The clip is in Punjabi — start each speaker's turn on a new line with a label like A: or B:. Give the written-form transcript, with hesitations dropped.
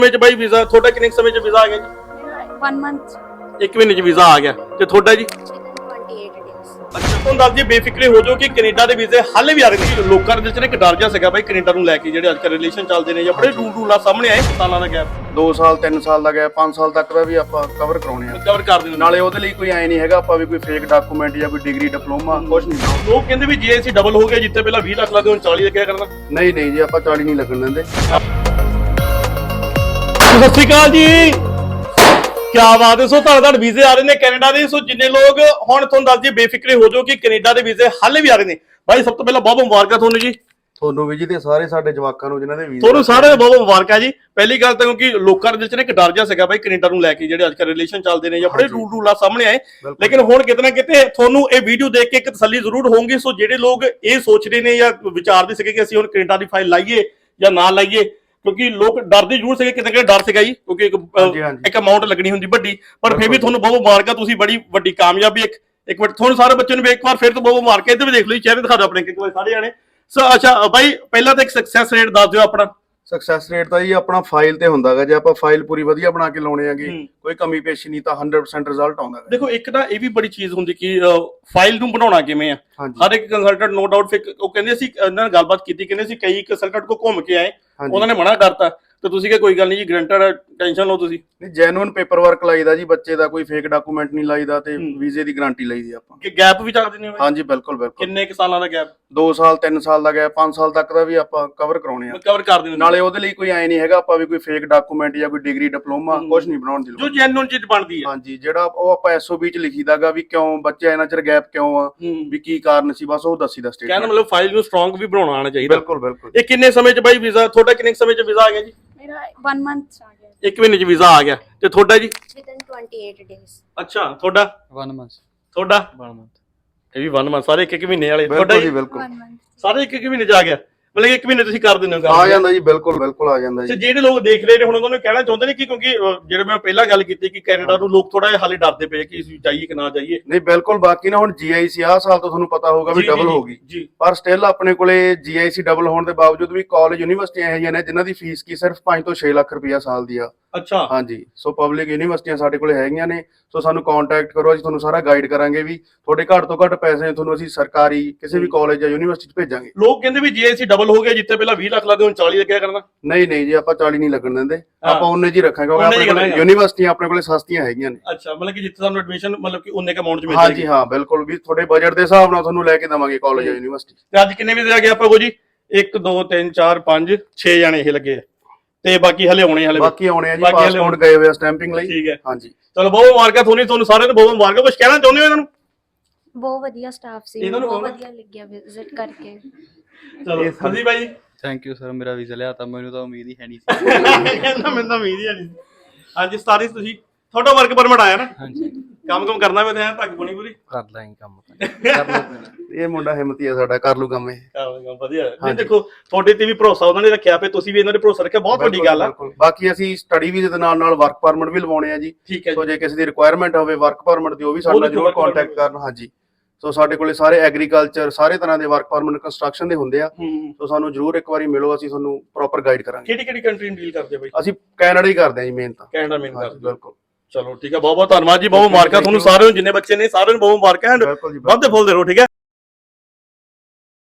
A: ਵਿੱਚ ਬਾਈ ਵੀਜ਼ਾ ਤੁਹਾਡਾ ਕਿੰਨੇ ਸਮੇਂ ਚ ਵੀਜ਼ਾ ਆ ਗਿਆ ਜੀ?
B: 1 ਮੰਥ
A: 1 ਮਹੀਨੇ ਚ ਵੀਜ਼ਾ ਆ ਗਿਆ ਤੇ ਤੁਹਾਡਾ ਜੀ?
B: 28 days।
A: ਅੱਛਾ ਤੁਹਾਨੂੰ ਦੱਸ ਦਈਏ ਬੇਫਿਕਰੇ ਹੋ ਜਾਓ ਕਿ ਕੈਨੇਡਾ ਦੇ ਵੀਜ਼ੇ ਹਾਲੇ ਵੀ ਆ ਰਹੇ ਨੇ। ਲੋਕਾਂ ਦੇ ਵਿੱਚ ਨਾ ਇੱਕ ਡਰ ਜਿਹਾ ਸੀਗਾ ਬਾਈ ਕੈਨੇਡਾ ਨੂੰ ਲੈ ਕੇ, ਜਿਹੜੇ ਅੱਜ ਕੱਲ੍ਹ ਰਿਲੇਸ਼ਨ ਚੱਲਦੇ ਨੇ ਜਾਂ ਬੜੇ ਰੂਲ ਆ ਸਾਹਮਣੇ ਆਏ ਸਾਲਾਂ ਦਾ ਗੈਪ
C: 2 ਸਾਲ 3 ਸਾਲ ਦਾ ਗੈਪ 5 ਸਾਲ ਤੱਕ ਦਾ ਵੀ ਆਪਾਂ ਕਵਰ ਕਰਾਉਣੇ ਆ।
A: ਕਵਰ ਕਰ ਦਿੰਦੇ
C: ਨਾਲੇ ਉਹਦੇ ਲਈ ਕੋਈ ਐ ਨਹੀਂ ਹੈਗਾ ਆਪਾਂ ਵੀ ਕੋਈ ਫੇਕ ਡਾਕੂਮੈਂਟ ਜਾਂ ਕੋਈ ਡਿਗਰੀ ਡਿਪਲੋਮਾ ਕੁਝ ਨਹੀਂ।
A: ਲੋਕ ਕਹਿੰਦੇ ਵੀ ਜੇ ਅਸੀਂ ਡਬਲ ਹੋ ਗਿਆ, ਜਿੱਥੇ ਪਹਿਲਾਂ 20 ਲੱਖ ਲੱਗਦੇ ਹੁਣ 40 ਲੱਗਿਆ ਕਰਨਾ।
C: ਨਹੀਂ ਨਹੀਂ ਜੀ, ਆਪਾਂ 40 ਨਹੀਂ ਲੱਗਣ ਦਿੰਦੇ।
A: ਸਤਿ ਸ਼੍ਰੀ ਅਕਾਲ ਜੀ, ਕਿਆ ਬਾਤ ਹੈ। ਸੋ ਤੁਹਾਡੇ ਵੀਜ਼ੇ ਆ ਰਹੇ ਨੇ ਕੈਨੇਡਾ ਦੇ। ਸੋ ਜਿੰਨੇ ਲੋਕ ਹੁਣ ਤੁਹਾਨੂੰ ਦੱਸ ਦਈਏ ਬੇਫਿਕਰੇ ਹੋ ਜਾਓ ਕਿ ਕੈਨੇਡਾ ਦੇ ਵੀਜ਼ੇ ਹਾਲੇ ਵੀ ਆ ਰਹੇ ਨੇ। ਬਾਈ ਸਭ ਤੋਂ ਪਹਿਲਾਂ ਬਹੁਤ ਮੁਬਾਰਕਾਂ ਤੁਹਾਨੂੰ ਜੀ।
C: ਤੁਹਾਨੂੰ ਵੀ ਜੀ ਤੇ ਸਾਰੇ ਸਾਡੇ ਜਵਾਕਾਂ ਨੂੰ ਜਿਨ੍ਹਾਂ ਦੇ ਵੀਜ਼ੇ
A: ਤੁਹਾਨੂੰ ਸਾਰਿਆਂ ਨੂੰ ਬਹੁਤ ਮੁਬਾਰਕਾਂ ਜੀ। ਪਹਿਲੀ ਗੱਲ ਤਾਂ ਕਿਉਂਕਿ ਲੋਕਾਂ ਦੇ ਵਿੱਚ ਨਾ ਇੱਕ ਡਰ ਜਿਹਾ ਸੀਗਾ ਬਾਈ ਕੈਨੇਡਾ ਨੂੰ ਲੈ ਕੇ, ਜਿਹੜੇ ਅੱਜ ਕੱਲ੍ਹ ਰਿਲੇਸ਼ਨ ਚੱਲਦੇ ਨੇ ਜਾਂ ਬੜੇ ਰੂਲ ਆ ਸਾਹਮਣੇ ਆਏ। ਲੇਕਿਨ ਹੁਣ ਕਿਤੇ ਨਾ ਕਿਤੇ ਤੁਹਾਨੂੰ ਇਹ ਵੀਡੀਓ ਦੇਖ ਕੇ ਇੱਕ ਤਸੱਲੀ ਜ਼ਰੂਰ ਹੋਊਗੀ। ਸੋ ਜਿਹੜੇ ਲੋਕ ਇਹ ਸੋਚ ਰਹੇ ਨੇ ਜਾਂ ਵਿਚਾਰਦੇ ਸੀਗੇ ਕਿ ਅਸੀਂ ਹੁਣ ਕੈਨੇਡਾ ਦੀ ਫਾਈਲ ਲਾਈਏ ਜਾਂ ਨਾ ਲਾਈਏ, ਕਿਉਂਕਿ ਲੋਕ ਡਰਦੇ ਜ਼ਰੂਰ ਸੀਗੇ, ਕਿਤੇ ਕਿਤੇ ਡਰ ਸੀਗਾ ਜੀ, ਕਿਉਂਕਿ ਇੱਕ ਅਮਾਉਂਟ ਲੱਗਣੀ ਹੁੰਦੀ ਵੱਡੀ। ਪਰ ਫਿਰ ਵੀ ਤੁਹਾਨੂੰ ਬਹੁਤ ਮੁਬਾਰਕਾਂ, ਤੁਸੀਂ ਬੜੀ ਵੱਡੀ ਕਾਮਯਾਬੀ। ਇੱਕ ਮਿੰਟ ਤੁਹਾਨੂੰ ਸਾਰੇ ਬੱਚੇ ਨੂੰ ਇੱਕ ਵਾਰ ਫਿਰ ਤੋਂ ਬਹੁਤ ਮੁਬਾਰਕਾਂ। ਇੱਧਰ ਵੀ ਦੇਖ ਲਓ, ਚਿਹਰੇ ਦਿਖਾ ਦਿਓ ਆਪਣੇ ਇੱਕ ਵਾਰ ਸਾਰੇ ਜਾਣੇ। ਸੋ ਅੱਛਾ ਬਾਈ ਪਹਿਲਾਂ ਤਾਂ ਇੱਕ ਸਕਸੈਸ ਰੇਟ ਦੱਸ ਦਿਓ ਆਪਣਾ।
C: ਸਕਸੈਸ ਰੇਟ ਤਾਂ ਜੀ ਆਪਣਾ ਫਾਈਲ ਤੇ ਹੁੰਦਾਗਾ। ਜੇ ਆਪਾਂ ਫਾਈਲ ਪੂਰੀ ਵਧੀਆ ਬਣਾ ਕੇ ਲਾਉਣੇ ਆਗੇ, ਕੋਈ ਕਮੀ ਪੇਸ਼ੀ ਨਹੀਂ, ਤਾਂ 100% ਰਿਜ਼ਲਟ ਆਉਂਦਾ।
A: ਦੇਖੋ ਇੱਕ ਤਾਂ ਇਹ ਵੀ ਬੜੀ ਚੀਜ਼ ਹੁੰਦੀ ਕਿ ਫਾਈਲ ਨੂੰ ਬਣਾਉਣਾ ਕਿਵੇਂ ਆ। ਹਰ ਇੱਕ ਕੰਸਲਟੈਂਟ ਨੋ ਡਾਊਟ ਫਿਰ ਉਹ ਕਹਿੰਦੇ ਅਸੀਂ ਇਹਨਾਂ ਨਾਲ ਗੱਲਬਾਤ ਕੀਤੀ, ਕਹਿੰਦੇ ਅਸੀਂ ਕਈ ਕੰਸਲਟੈਂਟ ਕੋ ਘੁੰਮ ਕੇ ਆਏ, ਉਹਨਾਂ ਨੇ ਮਨਾ ਕਰਤਾ, ਤੇ ਤੁਸੀਂ ਕਿ ਕੋਈ ਗੱਲ ਨਹੀਂ ਜੀ, ਗਰੰਟਡ ਟੈਨਸ਼ਨ ਲਓ ਤੁਸੀਂ।
C: ਨਹੀਂ, ਜੈਨੂਇਨ ਪੇਪਰ ਵਰਕ ਲਾਈਦਾ ਜੀ ਬੱਚੇ ਦਾ, ਕੋਈ ਫੇਕ ਡਾਕੂਮੈਂਟ ਨਹੀਂ ਲਾਈਦਾ, ਤੇ ਵੀਜ਼ੇ ਦੀ ਗਾਰੰਟੀ ਲਈਦੀ ਆਪਾਂ।
A: ਕਿ ਗੈਪ ਵੀ ਚੱਕ ਦਿੰਦੇ ਹੋ?
C: ਹਾਂਜੀ ਬਿਲਕੁਲ ਬਿਲਕੁਲ।
A: ਕਿੰਨੇ ਕੁ ਸਾਲਾਂ ਦਾ ਗੈਪ?
C: 2 ਸਾਲ 3 ਸਾਲ ਦਾ ਗੈਪ 5 ਸਾਲ ਤੱਕ ਦਾ ਵੀ ਆਪਾਂ ਕਵਰ ਕਰਾਉਣੇ ਆ।
A: ਕਵਰ ਕਰ ਦਿੰਦੇ।
C: ਨਾਲੇ ਉਹਦੇ ਲਈ ਕੋਈ ਐ ਨਹੀਂ ਹੈਗਾ ਆਪਾਂ ਵੀ ਕੋਈ ਫੇਕ ਡਾਕੂਮੈਂਟ ਜਾਂ ਕੋਈ ਡਿਗਰੀ ਡਿਪਲੋਮਾ ਕੁਝ ਨਹੀਂ ਬਣਾਉਣ ਦੀ ਲੋੜ।
A: ਜੋ ਜੈਨੂਇਨ ਚੀਜ਼ ਬਣਦੀ ਹੈ।
C: ਹਾਂਜੀ, ਜਿਹੜਾ ਉਹ ਆਪਾਂ ਐਸਓਬੀ ਚ ਲਿਖੀਦਾਗਾ ਵੀ ਕਿਉਂ ਬੱਚੇ ਇੰਨਾ ਚਿਰ ਗੈਪ ਕਿਉਂ ਆ, ਵੀ ਕੀ ਕਾਰਨ ਸੀ, ਬਸ ਉਹ ਦੱਸੀਦਾ ਸਟੇਟਮੈਂਟ।
A: ਕਹਿੰਦਾ ਮਤਲਬ ਫਾਈਲ ਨੂੰ ਸਟਰੋਂਗ ਵੀ ਬਣਾਉਣਾ ਆਣਾ ਚਾਹੀਦਾ।
C: ਬਿਲਕੁਲ ਬਿਲਕੁਲ।
A: ਇਹ ਕਿੰਨੇ ਸਮੇਂ ਚ ਬਾਈ ਵੀਜ਼ਾ ਤੁਹਾਡਾ ਕਿੰਨੇ ਸਮੇਂ ਚ ਵੀਜ਼ਾ ਆ ਗਿਆ ਜੀ?
B: ਮੇਰਾ 1 ਮੰਥ ਆ ਗਿਆ।
A: 1 ਮਹੀਨੇ ਚ ਵੀਜ਼ਾ ਆ ਗਿਆ ਤੇ ਤੁਹਾਡਾ ਜੀ?
B: Within 28 days।
A: ਅੱਛਾ ਤੁਹਾਡਾ?
D: 1 month।
A: ਤੁਹਾਡਾ
D: 1 month।
A: ਇਹ ਵੀ 1 ਮੰਥ, ਸਾਰੇ ਇੱਕ ਮਹੀਨੇ ਵਾਲੇ। ਤੁਹਾਡਾ
C: ਬਿਲਕੁਲ ਜੀ
A: ਜੀ?
C: ਬਿਲਕੁਲ।
B: 1 month।
A: ਸਾਰੇ ਇੱਕ ਮਹੀਨੇ ਚ ਆ ਗਿਆ, ਮਤਲਬ 1 ਮਹੀਨੇ ਤੁਸੀਂ ਕਰ ਦਿੰਦੇ ਹੋ
C: ਆ ਜਾਂਦਾ ਜੀ, ਬਿਲਕੁਲ ਬਿਲਕੁਲ ਆ ਜਾਂਦਾ ਜੀ।
A: ਜਿਹੜੇ ਲੋਕ ਦੇਖ ਰਹੇ ਨੇ ਹੁਣ ਉਹਨਾਂ ਨੂੰ ਕਹਿਣਾ ਚਾਹੁੰਦੇ ਨੇ ਕਿ ਕਿਉਂਕਿ ਜਿਹੜੇ ਮੈਂ ਪਹਿਲਾਂ ਗੱਲ ਕੀਤੀ ਕਿ ਕੈਨੇਡਾ ਨੂੰ ਲੋਕ ਥੋੜਾ ਜਿਹਾ ਹਾਲੇ ਡਰਦੇ ਪਏ ਕਿ ਅਸੀਂ ਜਾਈਏ ਕਿ ਨਾ ਜਾਈਏ।
C: ਨਹੀਂ ਬਿਲਕੁਲ, ਬਾਕੀ ਨਾ ਹੁਣ ਜੀਆਈਸੀ ਆਹ ਸਾਲ ਤੋਂ ਤੁਹਾਨੂੰ ਪਤਾ ਹੋਊਗਾ ਵੀ ਡਬਲ ਹੋ ਗਈ
A: ਜੀ,
C: ਪਰ ਸਟਿਲ ਆਪਣੇ ਕੋਲੇ ਜੀਆਈਸੀ ਡਬਲ ਹੋਣ ਦੇ ਬਾਵਜੂਦ ਵੀ ਕਾਲਜ ਯੂਨੀਵਰਸਿਟੀਆਂ ਇਹੋ ਜਿਹੀਆਂ ਨੇ ਜਿਨ੍ਹਾਂ ਦੀ ਫੀਸ ਕੀ ਸਿਰਫ 5 ਤੋਂ 6 ਲੱਖ ਰੁਪਇਆ ਸਾਲ ਦੀ ਆ।
A: ਅੱਛਾ
C: ਹਾਂਜੀ, ਸੋ ਪਬਲਿਕ ਯੂਨੀਵਰਸਿਟੀਆਂ ਸਾਡੇ ਕੋਲੇ ਹੈਗੀਆਂ ਨੇ। ਸੋ ਸਾਨੂੰ ਕੰਟੈਕਟ ਕਰੋ, ਅਸੀਂ ਤੁਹਾਨੂੰ ਸਾਰਾ ਗਾਈਡ ਕਰਾਂਗੇ ਵੀ ਤੁਹਾਡੇ ਘੱਟ ਤੋਂ ਘੱਟ ਪੈਸੇ ਤੁਹਾਨੂੰ ਅਸੀਂ ਸਰਕਾਰੀ ਕਿਸੇ ਵੀ ਕਾਲਜ ਜਾਂ ਯੂਨੀਵਰਸਿਟੀ 'ਚ ਭੇਜਾਂਗੇ।
A: ਲੋਕ ਕਹਿੰਦੇ ਵੀ ਜੇ ਅਸੀਂ ਡਬਲ ਹੋ ਗਿਆ, ਜਿੱਥੇ ਪਹਿਲਾਂ 20 ਲੱਖ ਲੱਗਦੇ ਹੁਣ 40 ਲੱਗਿਆ ਕਰਨਾ।
C: ਨਹੀਂ ਨਹੀਂ ਜੀ, ਆਪਾਂ 40 ਨਹੀਂ ਲੱਗਣ ਦਿੰਦੇ, ਆਪਾਂ ਉਹਨੇ ਜੀ ਰੱਖਾਂਗੇ ਕਿਉਂਕਿ ਆਪਣੇ ਕੋਲੇ ਯੂਨੀਵਰਸਿਟੀਆਂ ਆਪਣੇ ਕੋਲੇ ਸਸਤੀਆਂ ਹੈਗੀਆਂ ਨੇ।
A: ਅੱਛਾ, ਮਤਲਬ ਕਿ ਜਿੱਥੇ ਸਾਨੂੰ ਐਡਮਿਸ਼ਨ ਮਤਲਬ ਕਿ ਉਹਨੇ ਕ ਅਮਾਉਂਟ 'ਚ ਮਿਲ
C: ਹਾਂਜੀ ਹਾਂ ਬਿਲਕੁਲ, ਵੀ ਤੁਹਾਡੇ ਬਜਟ ਦੇ ਹਿਸਾਬ ਨਾਲ ਤੁਹਾਨੂੰ ਲੈ ਕੇ ਦੇਵਾਂਗੇ ਕਾਲਜ ਜਾਂ ਯੂਨੀਵਰਸਿਟੀ।
A: ਤੇ ਅੱਜ ਕਿੰਨੇ ਵੀਜ਼ੇ ਆ ਗਏ ਆਪਾਂ ਕੋ ਜੀ? 1 2 3 4 5 6 ਜਾਣੇ ਇਹ ਲੱਗੇ ਆ, ਤੇ ਬਾਕੀ ਹਲੇ ਆਉਣੇ ਆ।
C: ਬਾਕੀ ਆਉਣੇ ਆ ਜੀ, ਪਾਸਪੋਰਟ ਗਏ ਹੋਏ ਆ ਸਟੈਂਪਿੰਗ ਲਈ।
A: ਠੀਕ ਹੈ,
C: ਹਾਂਜੀ
A: ਚਲੋ ਬਹੁਤ ਮੁਬਾਰਕਾਂ ਤੁਹਾਨੂੰ ਸਾਰਿਆਂ ਨੂੰ, ਬਹੁਤ ਮੁਬਾਰਕਾਂ। ਕੁਝ ਕਹਿਣਾ ਚਾਹੁੰਦੇ ਹੋ ਇਹਨਾਂ ਨੂੰ?
B: ਬਹੁਤ ਵਧੀਆ ਸਟਾਫ ਸੀ, ਬਹੁਤ ਵਧੀਆ ਲੱਗਿਆ ਵਿਜ਼ਿਟ ਕਰਕੇ।
A: ਚਲੋ ਹਾਂਜੀ ਬਾਈ।
D: ਥੈਂਕ ਯੂ ਸਰ, ਮੇਰਾ ਵੀਜ਼ਾ ਲਿਆ ਤਾਂ ਮੈਨੂੰ ਤਾਂ ਉਮੀਦ ਹੀ ਹੈ ਨਹੀਂ ਸੀ।
A: ਕਹਿੰਦਾ ਮੈਨੂੰ ਤਾਂ ਉਮੀਦ ਹੀ ਨਹੀਂ। ਹਾਂਜੀ 27 ਤੁਸੀਂ ਤੁਹਾਡਾ ਵਰਕ ਪਰਮਿਟ ਆਇਆ ਨਾ?
D: ਹਾਂਜੀ,
A: ਕੰਮ ਕਰਨਾ ਮੈਂ ਤਾਂ ਧੱਕ ਬਣੀ ਪੂਰੀ
D: ਕਰ ਲਾਂਗੇ ਕੰਮ ਕਰ ਲਓ।
C: ਇਹ ਮੁੰਡਾ ਹਿੰਮਤੀ ਆ ਸਾਡਾ, ਕਰ ਲੂ ਕੰਮ ਇਹ।
A: ਵਧੀਆ। ਨਹੀਂ ਦੇਖੋ ਤੁਹਾਡੇ ਤੇ ਵੀ ਭਰੋਸਾ ਉਹਨਾਂ ਨੇ ਰੱਖਿਆ, ਤੇ ਤੁਸੀਂ ਵੀ ਇਹਨਾਂ ਦੇ ਭਰੋਸਾ ਰੱਖਿਆ, ਬਹੁਤ ਵੱਡੀ ਗੱਲ ਆ।
C: ਬਾਕੀ ਅਸੀਂ ਸਟੱਡੀ ਵੀਜ਼ੇ ਦੇ ਨਾਲ ਵਰਕ ਪਰਮਿਟ ਵੀ ਲਵਾਉਣੇ ਆ ਜੀ।
A: ਠੀਕ ਹੈ,
C: ਸੋ ਜੇ ਕਿਸੇ ਦੀ ਰਿਕੁਆਇਰਮੈਂਟ ਹੋਵੇ ਵਰਕ ਪਰਮਿਟ ਦੀ, ਉਹ ਵੀ ਸਾਡੇ ਨਾਲ ਜ਼ਰੂਰ ਕੰਟੈਕਟ ਕਰਨ। ਹਾਂਜੀ, ਸੋ ਸਾਡੇ ਕੋਲੇ ਸਾਰੇ ਐਗਰੀਕਲਚਰ ਸਾਰੇ ਤਰ੍ਹਾਂ ਦੇ ਵਰਕ ਪਰਮਿਟ ਕੰਸਟਰਕਸ਼ਨ ਦੇ ਹੁੰਦੇ ਆ। ਸੋ ਸਾਨੂੰ ਜ਼ਰੂਰ ਇੱਕ ਵਾਰੀ ਮਿਲੋ, ਅਸੀਂ ਤੁਹਾਨੂੰ ਪ੍ਰੋਪਰ ਗਾਈਡ ਕਰਾਂਗੇ।
A: ਕਿਹੜੀ ਕੰਟਰੀ ਨੂੰ ਡੀਲ ਕਰਦੇ ਬਾਈ?
C: ਅਸੀਂ ਕੈਨੇਡਾ ਹੀ ਕਰਦੇ ਆ ਜੀ ਮੇਨ ਤਾਂ।
A: ਕੈਨੇਡਾ ਮੇਨ ਕਰਦੇ।
C: ਬਿਲਕੁਲ।
A: ਚਲੋ ਠੀਕ ਹੈ, ਬਹੁਤ ਬਹੁਤ ਧੰਨਵਾਦ ਜੀ, ਬਹੁਤ ਮੁਬਾਰਕਾਂ ਤੁਹਾਨੂੰ ਸਾਰਿਆਂ ਨੂੰ, ਜਿੰਨੇ ਬੱਚੇ ਨੇ ਸਾਰਿਆਂ ਨੂੰ ਬਹੁਤ ਮੁਬਾਰਕਾਂ। ਵੱਧਦੇ ਫੁੱਲਦੇ ਰਹੋ, ਠੀਕ ਹੈ।